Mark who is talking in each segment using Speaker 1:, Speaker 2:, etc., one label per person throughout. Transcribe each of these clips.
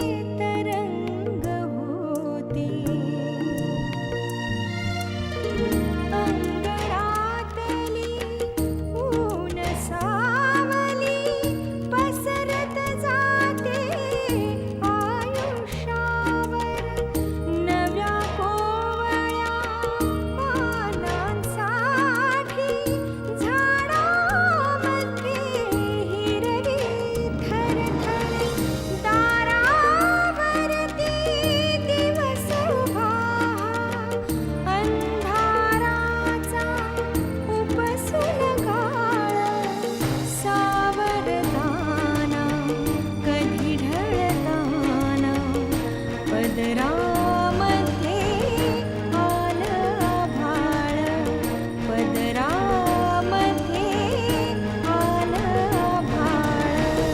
Speaker 1: तरंग होती अंतरातली ऊन सावली पसरत जाते आयुष्यावर नव्या कोवळ्या पानांसाठी झाडामध्ये हिरवी थरथर दारावरती दिवस उभा अंधाराचा उपसून काळ सावरताना कधी ढळताना पदरामध्ये आलं आभाळ पदरामध्ये आलं आभाळ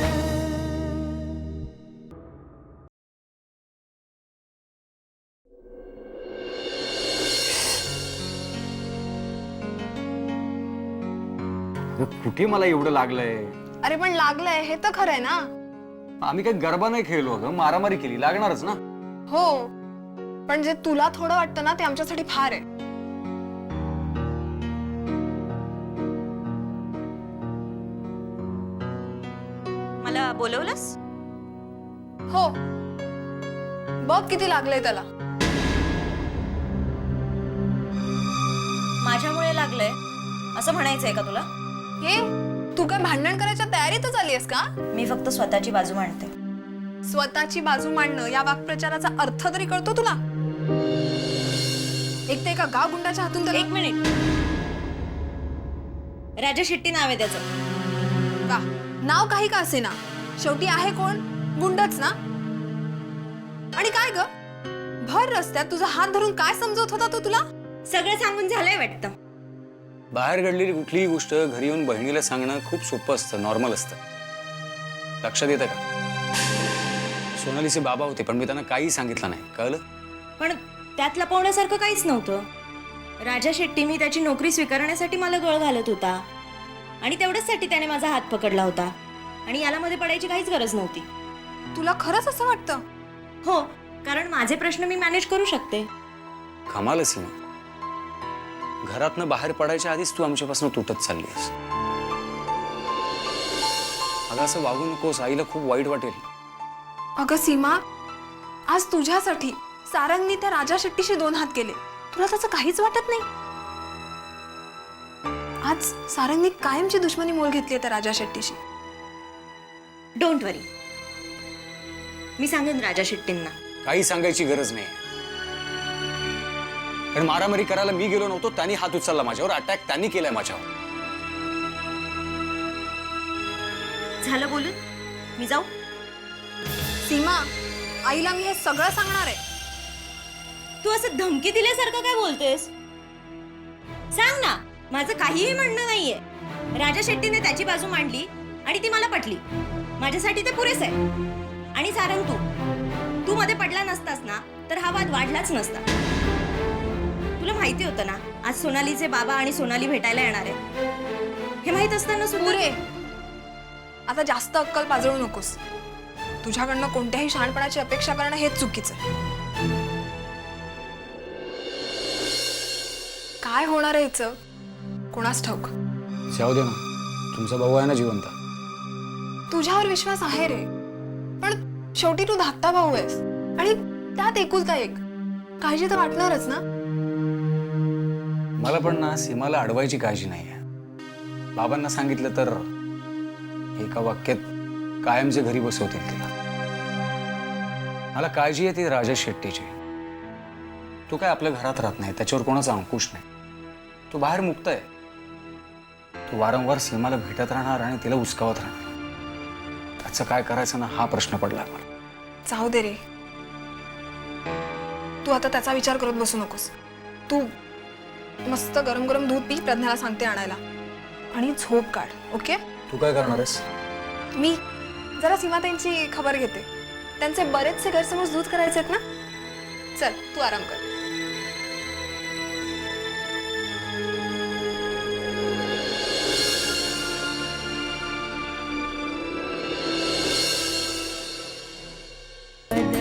Speaker 2: कुठे मला एवढं लागलंय?
Speaker 3: अरे पण लागलंय हे तर खरंय ना.
Speaker 2: आम्ही काही गरबा नाही खेळलो अगं, मारामारी केली, लागणारच ना.
Speaker 3: हो पण जे तुला थोडं वाटतं ना ते आमच्यासाठी फार आहे.
Speaker 4: मला बोलवलंस?
Speaker 3: हो बघ किती लागलंय त्याला.
Speaker 4: माझ्यामुळे लागलंय असं म्हणायचंय का तुला?
Speaker 3: हे तू काय भांडण करायच्या तयारीतच आलीयस का?
Speaker 4: मी फक्त स्वतःची बाजू मांडते.
Speaker 3: स्वतःची बाजू मांडणं या वाक्प्रचाराचा अर्थ तरी कळतो तुला? एक ते एका गाव गुंडाच्या हातून त्याला.
Speaker 4: एक मिनिट. राजा शेट्टी नाव आहे त्याचं.
Speaker 3: वा नाव काही का असे ना शेवटी आहे कोण? गुंडच ना. आणि काय ग भर रस्त्यात तुझा हात धरून काय समजवत होता तो तुला?
Speaker 4: सगळं सांगून झालंय वाटतं.
Speaker 2: बाहेर घडलेली कुठलीही गोष्ट घरी येऊन बहिणीला सांगणं खूप सोपं असतं, नॉर्मल असतं. लक्षात येतं का? सोनालीचे बाबा होते पण मी त्यांना काही सांगितलं नाही, कळलं?
Speaker 4: पण त्यात लपवण्यासारखं काहीच नव्हतं. राजा शेट्टी मी त्याची नोकरी स्वीकारण्यासाठी मला गळ घालत होता आणि तेवढ्याचसाठी त्याने माझा हात पकडला होता आणि याला मध्ये पडायची काहीच गरज नव्हती.
Speaker 3: तुला खरंच असं वाटतं?
Speaker 4: हो कारण माझे प्रश्न मी मॅनेज करू शकते.
Speaker 2: कमाल सीमा, घरातनं बाहेर पडायच्या आधीच तू आमच्यापासून तुटत चाललीस. अगं असं वागू नकोस, आईला खूप वाईट वाटेल.
Speaker 3: अगं सीमा आज तुझ्यासाठी सारंगनी त्या राजा शेट्टीशी 2 हात केले. तुला त्याचं काहीच वाटत नाही? आज सारंगनी कायमची दुश्मनी मोल घेतली त्या राजा शेट्टीशी.
Speaker 4: डोंट वरी, मी सांगेन राजा शेट्टींना.
Speaker 2: काही सांगायची गरज नाही. कारण मारामारी करायला मी गेलो नव्हतो, त्यांनी हात उचलला माझ्यावर, अटॅक त्यांनी केलाय माझ्यावर.
Speaker 4: झालं बोलून? मी जाऊ?
Speaker 3: सीमा आईला मी हे सगळं सांगणार आहे.
Speaker 4: तू असं धमकी दिल्यासारखं काय बोलतेस? सांग ना, माझं काहीही म्हणणं नाहीये. राजा शेट्टीने त्याची बाजू मांडली आणि ती मला पटली. माझ्यासाठी ते पुरेस आहे. आणि सारंग तू मध्ये पडला नसतास ना तर हा वाद वाढलाच नसता. तुला माहिती होतं ना आज सोनालीचे बाबा आणि सोनाली भेटायला येणार आहे. हे माहित असताना
Speaker 3: पुरे आता जास्त अक्कल पाजळू नकोस. तुझ्याकडनं कोणत्याही शहाणपणाची अपेक्षा करणं हेच चुकीचं आहे. काय होणार आहे हिचं कोणास ठाऊक.
Speaker 2: जाऊ दे ना, तुमचा भाऊ आहे ना जिवंत.
Speaker 3: तुझ्यावर विश्वास आहे रे पण शेवटी तू धाकटा भाऊ आहेस आणि त्यात एकुलता एक. काळजी तर वाटणारच ना.
Speaker 2: मला पण ना सीमाला अडवायची काळजी नाही आहे. बाबांना सांगितलं तर एका वाक्यात कायमचे घरी बसवतील तिला. मला काळजी आहे ती राजा शेट्टीची. तो काय आपल्या घरात राहत नाही, त्याच्यावर कोणाचा अंकुश नाही. तो बाहेर मुक्त आहे. तो वारंवार सीमाला भेटत राहणार आणि तिला उचकावत राहणार. त्याचं काय करायचं ना हा प्रश्न पडला मला.
Speaker 3: जाऊ दे रे, तू आता त्याचा विचार करत बसू नकोस. तू मस्त गरम गरम दूध पी, प्रज्ञाला सांगते आणायला, आणि झोप काढ. ओके?
Speaker 2: तू काय करणार आहेस?
Speaker 3: मी जरा सीमाताईंची खबर घेते. त्यांचे बरेचसे गैरसमज दूर करायचे आहेत ना. चल तू आराम कर.
Speaker 1: पदरामध्ये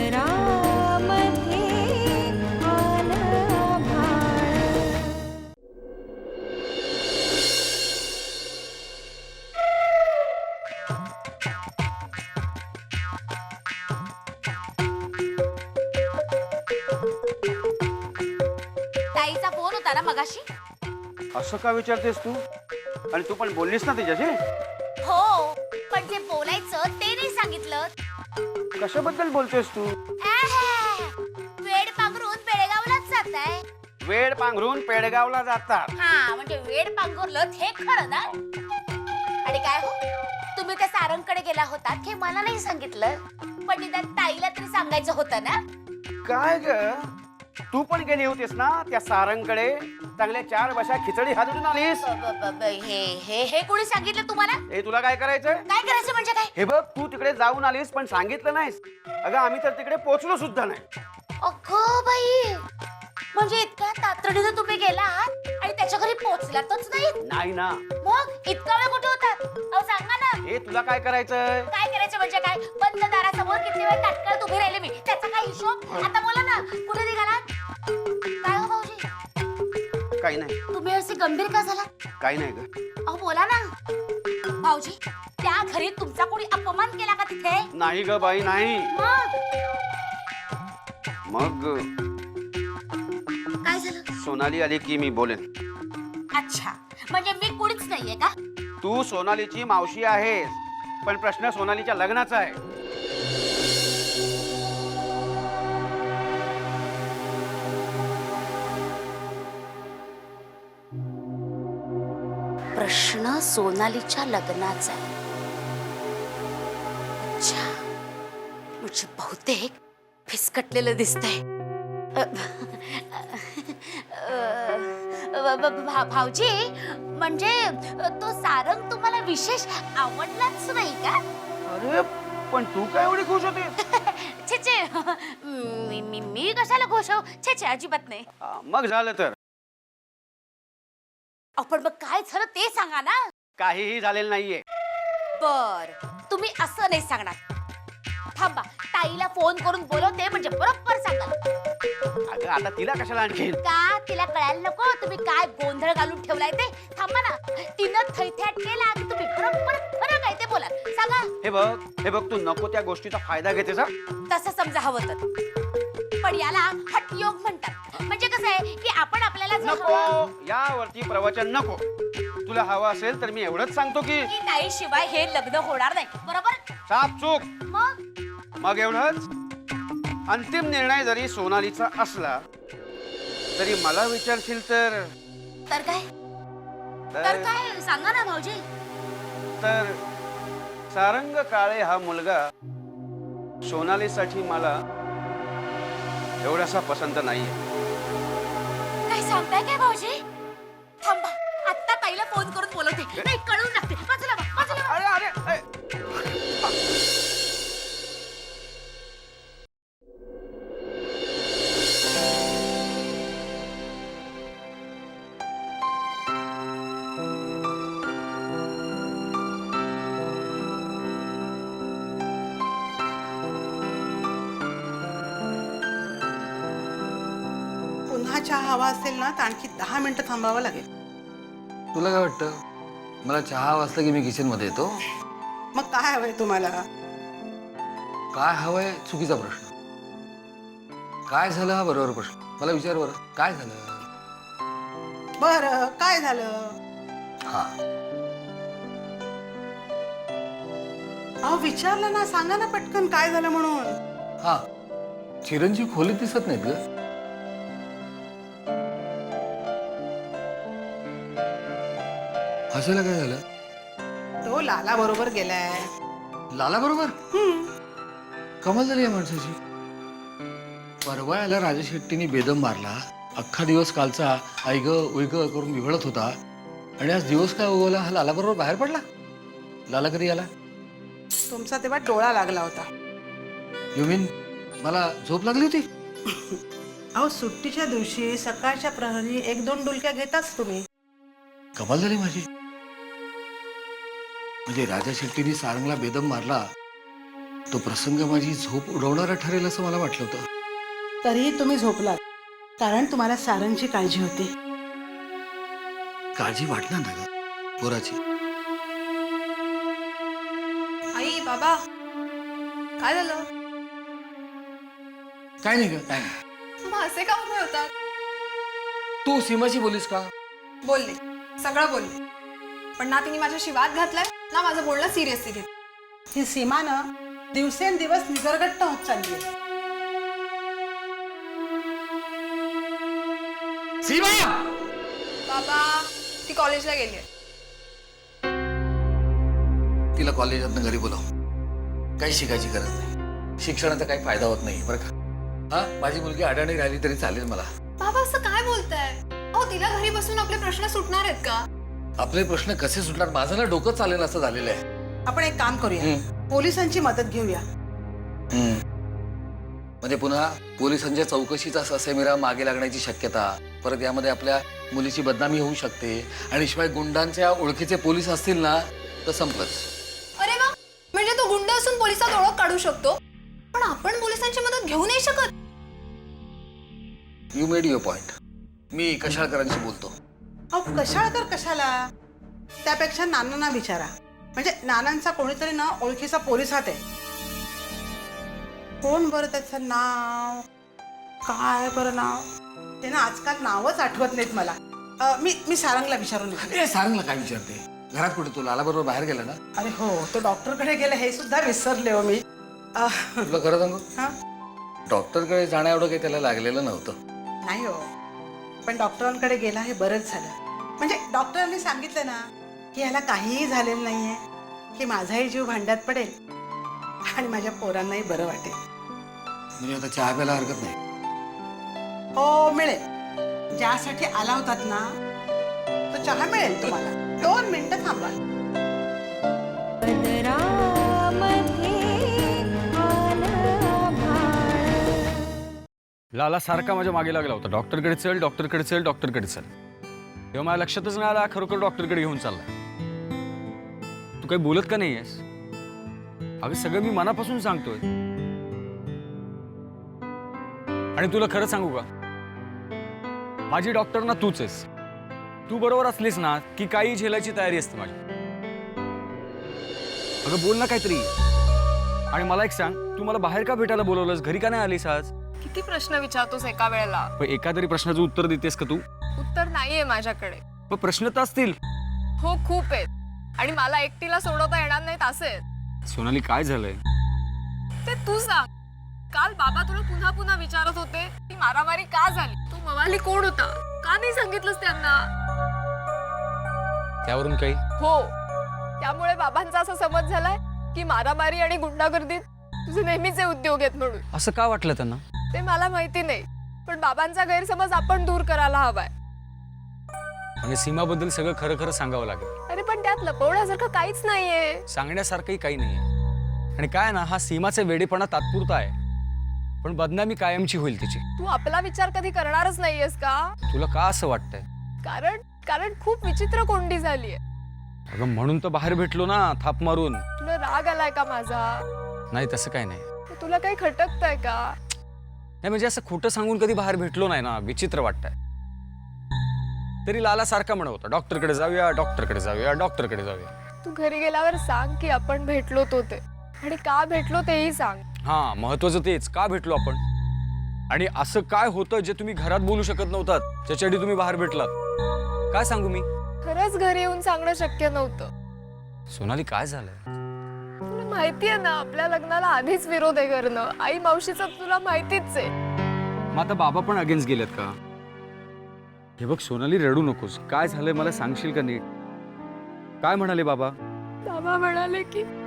Speaker 5: होता ना मगाशी?
Speaker 6: असं का विचारतेस तू? आणि तू पण बोललीस ना तिच्याशी?
Speaker 5: हो, पण जे बोलायचं ते नाही सांगितलं.
Speaker 6: कशाबद्दल बोलतेस तू?
Speaker 5: वेड पांघरून बेळगावलाच जाताय.
Speaker 6: वेड पांघरून पेडगावला जातात.
Speaker 5: हा, म्हणजे वेड पांघरलं हे खरं ना? आणि काय हो, तुम्ही त्या सारंगकडे गेला होतात हे मला नाही सांगितलं, पण निदान ताईला तरी सांगायचं होतं ना.
Speaker 6: काय ग, तू पण गेली होतीस ना त्या सारंगकडे? चांगल्या 4 बशा खिचडी हातून आलीस.
Speaker 5: हे हे हे कोणी सांगितलं तुम्हाला?
Speaker 6: हे तुला काय करायचंय?
Speaker 5: काय करायचं म्हणजे काय?
Speaker 6: हे बघ, तू तिकडे जाऊन आलीस पण सांगितलं नाहीस. अगं आम्ही तर तिकडे पोहोचलो सुद्धा नाही.
Speaker 5: अगं बाई, म्हणजे इतक्या तातडीनं तुम्ही गेलात आणि त्याच्या घरी पोहोचलातच नाही?
Speaker 6: नाही ना.
Speaker 5: मग इतका वेळ कुठे होतात? अहो सांगा ना.
Speaker 6: हे तुला काय करायचंय?
Speaker 5: काय करायचं म्हणजे काय? बंद दारासमोर किती वेळ ताटकळत उभी राहिले मी, त्याचा काय हिशोब? आता बोला ना, कुठे निघालात? काय हो भाऊजी,
Speaker 6: काही नाही.
Speaker 5: तुम्ही असे गंभीर का झालात?
Speaker 6: काही नाही ग.
Speaker 5: अहो बोला ना. भाऊजी, त्या घरी तुमचा कोणी अपमान केला का तिथे?
Speaker 6: नाही ग बाई, नाही.
Speaker 5: मग
Speaker 6: मग
Speaker 5: काय झालं?
Speaker 6: सोनाली आली की मी बोलेन.
Speaker 5: अच्छा, म्हणजे मी कुणीच नाहीये का?
Speaker 6: तू सोनालीची मावशी आहेस, पण प्रश्न सोनालीच्या लग्नाचा आहे.
Speaker 5: प्रश्न सोनालीच्या लग्नाचा आहे. अच्छा, म्हणजे बहुतेक फिसकटलेलं दिसतंय. भाऊजी, म्हणजे तो सारंग तुम्हाला विशेष आवडलाच नाही का?
Speaker 6: अरे पण तू काय एवढी खुश होते?
Speaker 5: छे छे, मी कशाला खुश हो? छे छे, अजिबात नाही.
Speaker 6: मग झालं तर.
Speaker 5: आपण मग काय झालं ते सांगा ना.
Speaker 6: काहीही झालेलं नाहीये.
Speaker 5: बर, तुम्ही असं नाही सांगणार. थांबा, ताईला फोन करून बोलवते, म्हणजे बरोबर सांगाल.
Speaker 6: अगं आता तिला कशाला आणखीन?
Speaker 5: का तिला कळायला नको तुम्ही काय गोंधळ घालून ठेवलाय ते? थांबा ना, तिनं थैथ्याट केला की तुम्ही बरोबर खरं काय ते बोला. सांगा.
Speaker 6: हे बघ, तू नको त्या गोष्टीचा फायदा घेतेस हा?
Speaker 5: तसं समजा हवं तर. पण याला हठयोग म्हणतात. म्हणजे कसं आहे की आपण आपल्याला जे
Speaker 6: नको,
Speaker 5: हवं
Speaker 6: यावरती प्रवचन नको. तुला हवं असेल तर मी एवढंच सांगतो की
Speaker 5: की ताईशिवाय हे लग्न होणार नाही. बरोबर?
Speaker 6: साप चूक.
Speaker 5: मग
Speaker 6: एवढंच. अंतिम निर्णय जरी सोनालीचा असला तरी मला विचारशील तर
Speaker 5: तर काय? तर काय सांगा ना भाऊजी.
Speaker 6: तर सारंग काळे हा मुलगा सोनालीसाठी मला एवढासा पसंत नाहीये.
Speaker 5: काय सांगताय काय भाऊजी? थांबा, आत्ता ताईला फोन करून बोलवते. नाही, कळून लागते. बाजूला वा, बाजूला वा.
Speaker 6: अरे
Speaker 7: पुन्हा चहा हवा असेल ना तर आणखी 10 मिनिटं थांबावं लागेल.
Speaker 8: तुला काय वाटतं? मला चहा वाजला की मी किचन मध्ये येतो.
Speaker 7: मग काय हवंय तुम्हाला?
Speaker 8: काय हवंय चुकीचा प्रश्न. काय झालं हा बरोबर प्रश्न. मला विचार बरं, काय झालं?
Speaker 7: बरं, काय झालं?
Speaker 8: हा,
Speaker 7: अहो विचारलं ना, सांगा ना पटकन काय झालं म्हणून.
Speaker 8: हा, चिरंजीव खोलीत दिसत नाहीत ग. हसायला काय झालं?
Speaker 7: तो लाला बरोबर गेलाय.
Speaker 8: लाला बरोबर? कमाल झाली या माणसाची. परवा याला राजा शेट्टीने बेदम मारला. अख्खा दिवस कालचा ऐग उईग करून विवळत होता आणि आज दिवस काय उगवला हा लाला बरोबर बाहेर पडला. लाला कधी आला?
Speaker 7: तुमचा तेव्हा डोळा लागला होता.
Speaker 8: यू मीन मला झोप लागली होती?
Speaker 7: अहो सुट्टीच्या दिवशी सकाळच्या प्रहरी 1-2 डुलक्या घेताच तुम्ही.
Speaker 8: कमाल झाली माझी. म्हणजे राजा शेट्टीने सारंगला बेदम मारला तो प्रसंग माझी झोप उडवणारा ठरेल असं मला वाटलं होतं.
Speaker 7: तरीही तुम्ही झोपलात, कारण तुम्हाला सारंगची काळजी होती.
Speaker 8: काळजी वाटणार ना ग पोराची.
Speaker 3: आई, बाबा, काय झालं?
Speaker 8: काय नाही ग, काय नाही.
Speaker 3: मग असे का उभे होतात?
Speaker 8: तू सीमाशी बोलीस का?
Speaker 3: बोलले, सगळं बोलले. पण ना तिने माझ्याशी वाद घातलाय ना माझं बोलणं सिरियसली घेत.
Speaker 7: ही सीमा ना दिवसेंदिवस निसर्गट्ट होत चालली आहे.
Speaker 8: सीमा!
Speaker 3: बाबा ती कॉलेजला गेली.
Speaker 8: तिला कॉलेजातनं घरी बोलव. काही शिकायची गरज नाही. शिक्षणाचा काही फायदा होत नाही बरं का. हा, माझी मुलगी अडाणी राहिली तरी चालेल मला.
Speaker 3: बाबा असं काय बोलताय? अहो तिला घरी बसून आपले प्रश्न सुटणार आहेत का?
Speaker 8: आपले प्रश्न कसे सुटणार? माझं ना डोकं चालेल असं झालेलं आहे.
Speaker 7: आपण एक काम करूया, पोलिसांची मदत घेऊया.
Speaker 8: म्हणजे पुन्हा पोलिसांच्या चौकशीचा ससेमिरा मागे लागण्याची शक्यता, परत यामध्ये आपल्या मुलीची बदनामी होऊ शकते, आणि शिवाय गुंडांच्या ओळखीचे पोलीस असतील ना तर संपलंच.
Speaker 3: अरे वा, म्हणजे तो गुंड असून पोलिसात ओळख काढू शकतो, पण आपण पोलिसांची मदत घेऊ नाही शकत.
Speaker 8: You made your point. मी कशाळकरांशी बोलतो.
Speaker 7: अहो कशाळकर कशाला? त्यापेक्षा नानांना विचारा. म्हणजे नानांचा कोणीतरी ना ओळखीचा पोलिसात आहे. कोण बरं त्याचं नाव? काय बरं नाव? ते ना आजकाल नावच आठवत नाहीत मला. मी सारंगला विचारून येते.
Speaker 8: ए, सांग ना काय विचारते. घरात कुठे? तू लाला बरोबर बाहेर गेला ना?
Speaker 7: अरे हो, तो डॉक्टरकडे गेला हे सुद्धा विसरले हो मी.
Speaker 8: तुला खरं सांगू,
Speaker 7: हा?
Speaker 8: डॉक्टरकडे जाण्या एवढं काही त्याला लागलेलं नव्हतं.
Speaker 7: नाही हो, पण डॉक्टरांकडे गेला हे बरंच झालं. म्हणजे डॉक्टरांनी सांगितलं ना की ह्याला काहीही झालेलं नाहीये, की माझाही जीव भांड्यात पडेल आणि माझ्या पोरांनाही बरं वाटेल.
Speaker 8: म्हणजे आता चहा प्यायला हरकत नाही.
Speaker 7: हो मिळेल. ज्यासाठी आला होतात ना तो चहा मिळेल तुम्हाला. 2 मिनिटं थांबा.
Speaker 1: पदरामध्ये आलं भाळ.
Speaker 2: लाला सारखा माझ्या मागे लागला होता, डॉक्टरकडे चल, डॉक्टरकडे चल, डॉक्टरकडे चल. तेव्हा मला लक्षातच नाही आला खरोखर डॉक्टरकडे घेऊन चाललाय. तू काही बोलत का नाहीयेस? अगं सगळं मी मनापासून सांगतोय. आणि तुला खरं सांगू का, माझी डॉक्टर ना तूच आहेस. तू बरोबर असलीस ना की काही झेलायची तयारी असते माझी. अगं बोल ना काहीतरी. आणि मला एक सांग, तू मला बाहेर का भेटायला बोलवलंस? घरी का नाही आलीस आज?
Speaker 3: किती प्रश्न विचारतोस एका वेळेला?
Speaker 2: पण एका तरी प्रश्नाचं उत्तर देतेस का तू?
Speaker 3: उत्तर नाहीये माझ्याकडे.
Speaker 2: पण प्रश्न तर असतील.
Speaker 3: हो खूप आहेत, आणि मला एकटीला सोडवता येणार नाहीत असे.
Speaker 2: सोनाली काय झालंय?
Speaker 3: ते तू सांग. काल बाबा तुला पुन्हा पुन्हा विचारत होते की मारामारी का झाली, तू मवाली कोण होता, का नाही सांगितलंस त्यांना?
Speaker 2: त्यावरून काही?
Speaker 3: हो, त्यामुळे बाबांचा असा समज झालाय की मारामारी आणि गुंडागर्दीत तुझे नेहमीचे उद्योग आहेत म्हणून.
Speaker 2: असं का वाटलं त्यांना?
Speaker 3: ते मला माहिती नाही, पण बाबांचा गैरसमज आपण दूर करायला हवाय.
Speaker 2: म्हणजे सीमाबद्दल सगळं खरं खरं सांगावं लागेल.
Speaker 3: अरे पण त्यात लपवण्यासारखं काहीच नाहीये.
Speaker 2: सांगण्यासारखंही काही नाहीये. आणि काय ना, हा सीमाचा वेडेपणा तात्पुरता आहे, पण बदनामी कायमची होईल तिची.
Speaker 3: तू आपला विचार कधी करणारच नाहीयेस का?
Speaker 2: तुला का असं वाटतंय?
Speaker 3: कारण खूप विचित्र कोंडी झालीये.
Speaker 2: अगं म्हणून तर बाहेर भेटलो ना, थाप मारून.
Speaker 3: तुला राग आलाय का माझा?
Speaker 2: नाही तसं काही नाही.
Speaker 3: तुला काही खटकतंय का?
Speaker 2: नाही म्हणजे असं खोटं सांगून कधी बाहेर भेटलो नाही ना, विचित्र वाटतंय. तरी लाला सारखा म्हणत होता, डॉक्टरकडे जाऊया, डॉक्टरकडे जाऊया, डॉक्टरकडे जाऊया.
Speaker 3: तू घरी गेल्यावर सांग की आपण भेटलो तो ते, आणि का भेटलो तेही सांग.
Speaker 2: हा, महत्वाचं तेच, का भेटलो आपण, आणि असं काय होतं जे तुम्ही घरात बोलू शकत नव्हतात, ज्याच्यासाठी तुम्ही बाहेर भेटलात. काय सांगू मी?
Speaker 3: खरंच घरी येऊन सांगणं शक्य नव्हतं.
Speaker 2: सोनाली काय झालंय?
Speaker 3: तुला माहितीये ना, आपल्या लग्नाला आधीच विरोध आहे करणं. आई मावशीचं तुला माहितीच आहे.
Speaker 2: मग आता बाबा पण अगेन्स्ट गेलेत का? हे बघ सोनाली, रडू नकोस. काय झालंय मला सांगशील का नीट? काय म्हणाले बाबा?
Speaker 3: बाबा म्हणाले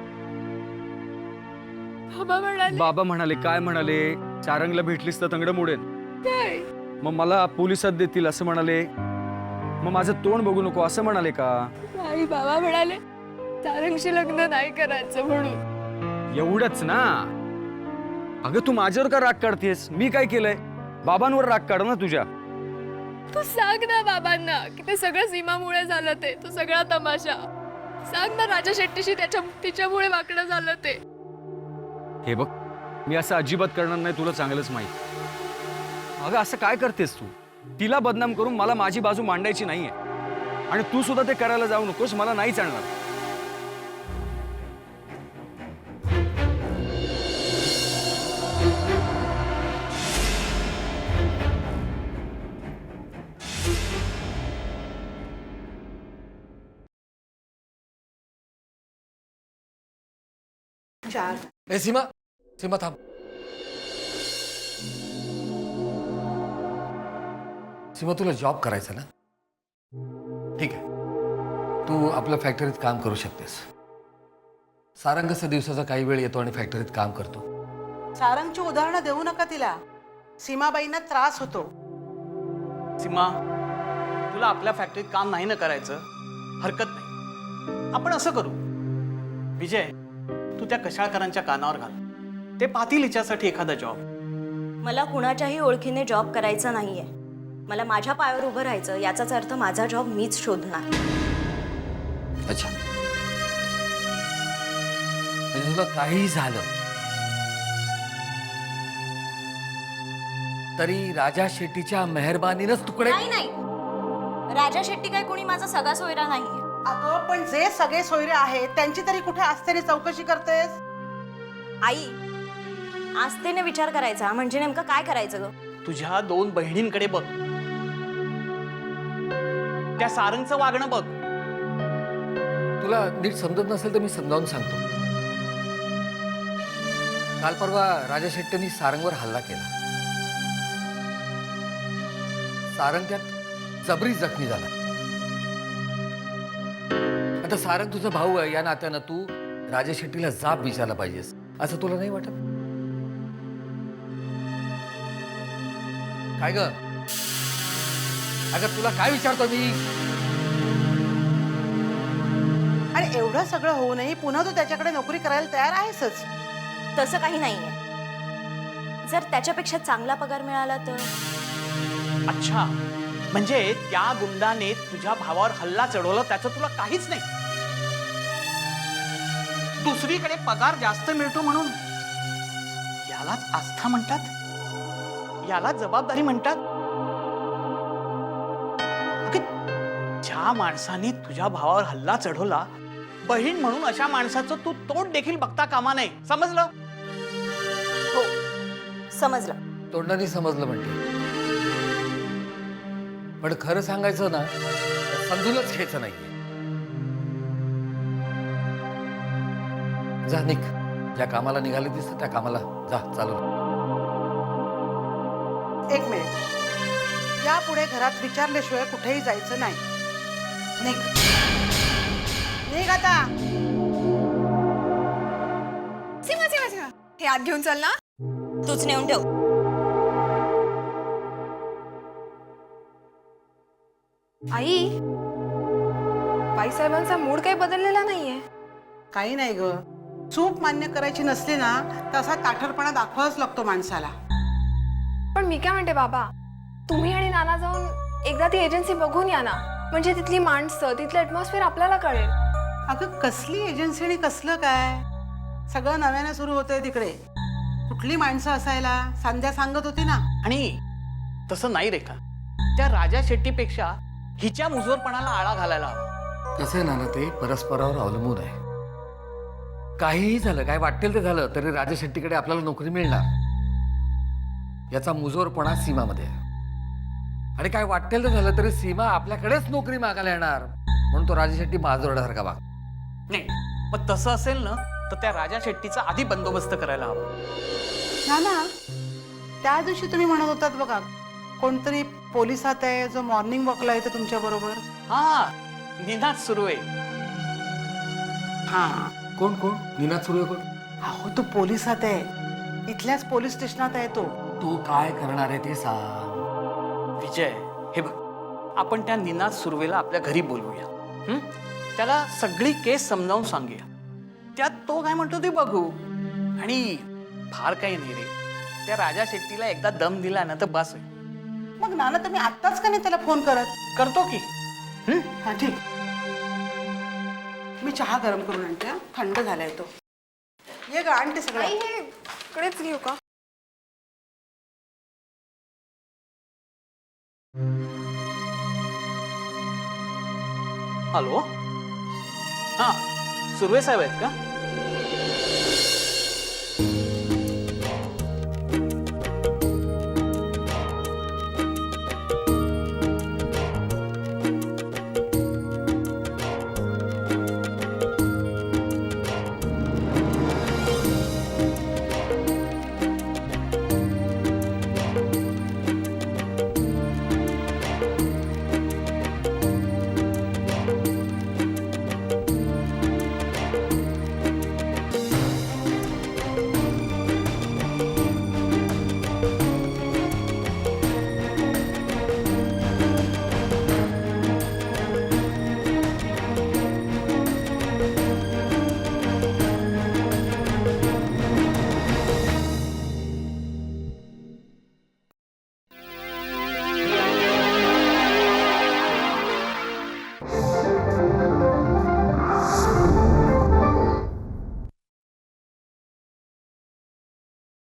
Speaker 2: बाबा म्हणाले काय म्हणाले? सारंगला भेटलीस तर तंगड मोडेल,
Speaker 3: काय?
Speaker 2: मग मला पोलिसात देतील असं म्हणाले. मग माझं तोंड बघू नको असं म्हणाले का?
Speaker 3: नाही, बाबा म्हणाले सारंगशी लग्न नाही करायचं म्हणून.
Speaker 2: एवढंच ना? अगं तू माझ्यावर का राग काढतेस? मी काय केलंय? बाबांवर राग काढ ना तुझ्या.
Speaker 3: तू सांग ना बाबांना की ते सगळं सीमामुळे झालं, ते तो सगळा तमाशा. सांग ना राजा शेट्टीशी तिच्यामुळे वाकडं झालं ते.
Speaker 2: हे बघ, मी असं अजिबात करणार नाही, तुला चांगलंच माहिती. अगं असं काय करतेस तू? तिला बदनाम करून मला माझी बाजू मांडायची नाहीये, आणि तू सुद्धा ते करायला जाऊ नकोस. मला नाही चालणार.
Speaker 7: चार.
Speaker 8: ए सीमा, सीमा थांब. सीमा तुला जॉब करायचा ना? ठीक आहे, तू आपल्या फॅक्टरीत काम करू शकतेस. सारंग कसं दिवसाचा काही वेळ येतो आणि फॅक्टरीत काम करतो.
Speaker 7: सारंगची उदाहरणं देऊ नका तिला. सीमाबाईंना त्रास होतो.
Speaker 9: सीमा, तुला आपल्या फॅक्टरीत काम नाही ना करायचं, हरकत नाही. आपण असं करू, विजय तू त्या कशाळकरांच्या कानावर घाल, ते पाहतील हिच्यासाठी एखादा जॉब.
Speaker 4: मला कुणाच्याही ओळखीने जॉब करायचा नाहीये. मला माझ्या पायावर उभं राहायचं. याचाच अर्थ माझा जॉब मीच शोधणार.
Speaker 8: अच्छा, म्हणजे तुला काही झालं तरी राजा शेट्टीच्या मेहरबानीनंच तुकडे.
Speaker 4: नाही नाही, राजा शेट्टी काय कोणी माझा सगळा सोयरा नाहीये.
Speaker 7: अगं पण जे सगळे सोयरे आहेत त्यांची तरी कुठे असतेने चौकशी करतेस?
Speaker 4: आई, आस्थेने विचार करायचा म्हणजे नेमकं काय करायचं ग?
Speaker 9: तुझ्या 2 बहिणींकडे बघ, त्या सारंगचं वागणं बघ.
Speaker 8: तुला नीट समजत नसेल तर मी समजावून सांगतो. काल परवा राजा शेट्टींनी सारंगवर हल्ला केला. सारंग त्यात जबरी जखमी झाला. आता सारंग तुझा भाऊ आहे या नात्यानं तू राजा शेट्टीला जाब विचारला पाहिजेस, असं तुला नाही वाटत? काय ग? अगं तुला काय विचारतो मी?
Speaker 7: आणि एवढं सगळं होऊनही पुन्हा तू त्याच्याकडे नोकरी करायला तयार आहेसच.
Speaker 4: तसं काही नाहीये. जर त्याच्यापेक्षा चांगला पगार मिळाला तर.
Speaker 9: अच्छा, म्हणजे त्या गुंडाने तुझ्या भावावर हल्ला चढवला त्याचं तुला काहीच नाही. दुसरीकडे पगार जास्त मिळतो म्हणून यालाच आस्था म्हणतात, याला जबाबदारी म्हणतात. अगं, ज्या माणसाने तुझ्या भावावर हल्ला चढवला, बहीण म्हणून अशा माणसाचं तू तोंड देखील बघता कामा नये. समजलं?
Speaker 4: हो, समजलं.
Speaker 8: तोंडाने समजलं म्हणते, पण खरं सांगायचं ना, समजूनच घ्यायचं नाहीये. जा निघ, ज्या कामाला निघाले दिसत त्या कामाला जा. चालू.
Speaker 7: एक मिनिट, यापुढे घरात विचारल्याशिवाय कुठेही जायचं नाही. निघ निघ आता.
Speaker 3: सीमा सीमा सीमा, हे आत घेऊन चल ना.
Speaker 4: तूच नेऊन ठेव.
Speaker 3: आई, बाईसाहेबांचा मूड काही बदललेला नाहीये.
Speaker 7: काही नाही ग, चूक मान्य करायची नसली ना तसा ताठरपणा दाखवावाच लागतो माणसाला.
Speaker 3: पण मी काय म्हणते बाबा, तुम्ही आणि नाना जाऊन एकदा ती एजन्सी बघून या ना. म्हणजे तिथली माणसं, तिथलं ॲटमॉस्फिअर आपल्याला कळेल.
Speaker 7: अगं कसली एजन्सी आणि कसलं काय, सगळं नव्यानं सुरू होतंय तिकडे. कुठली माणसं असायला संध्या सांगत होती ना.
Speaker 9: आणि तसं नाही रेखा, त्या राजा शेट्टीपेक्षा हिच्या मुजोरपणाला आळा घालायला हवा.
Speaker 8: कसं आहे ना, ते परस्परावर अवलंबून आहे. काहीही झालं, काय वाटेल ते झालं तरी राजा शेट्टीकडे आपल्याला नोकरी मिळणार याचा मुजोरपणा सीमामध्ये आहे. आणि काय वाटेल ते झालं तरी सीमा आपल्याकडेच नोकरी मागायला येणार, म्हणून तो राजा शेट्टी बाजोरड्यासारखा वाग.
Speaker 9: नाही, पण तसं असेल ना तर त्या राजा शेट्टीचा आधी बंदोबस्त करायला हवा.
Speaker 7: ना ना, त्या दिवशी तुम्ही म्हणत होतात बघा, कोणतरी पोलिसात आहे जो मॉर्निंग वॉकला येतो तुमच्या बरोबर.
Speaker 9: हा, निनाद सुरू आहे.
Speaker 7: हा,
Speaker 8: कोण कोण? निनाद सुरू आहे कोण?
Speaker 7: अहो तो पोलिसात आहे, इथल्याच पोलीस स्टेशनात आहे तो.
Speaker 8: तू काय करणार आहे ते सांग.
Speaker 9: विजय, हे बघ, आपण त्या निनाद सुर्वेला आपल्या घरी बोलवूया. त्याला सगळी केस समजावून सांगूया. त्यात तो काय म्हणतो ते बघू. आणि फार काही नाही रे, त्या राजा शेट्टीला एकदा दम दिला ना तर बस आहे.
Speaker 7: मग नाना तुम्ही आत्ताच का नाही त्याला फोन करत?
Speaker 9: करतो की.
Speaker 7: हा ठीक, मी चहा गरम करून आणते. हा, थंड झालाय तो. ये ग, आणते सगळं.
Speaker 3: आई, हे इकडेच घेऊ का?
Speaker 9: हॅलो, हा, सुर्वे साहेब आहेत का?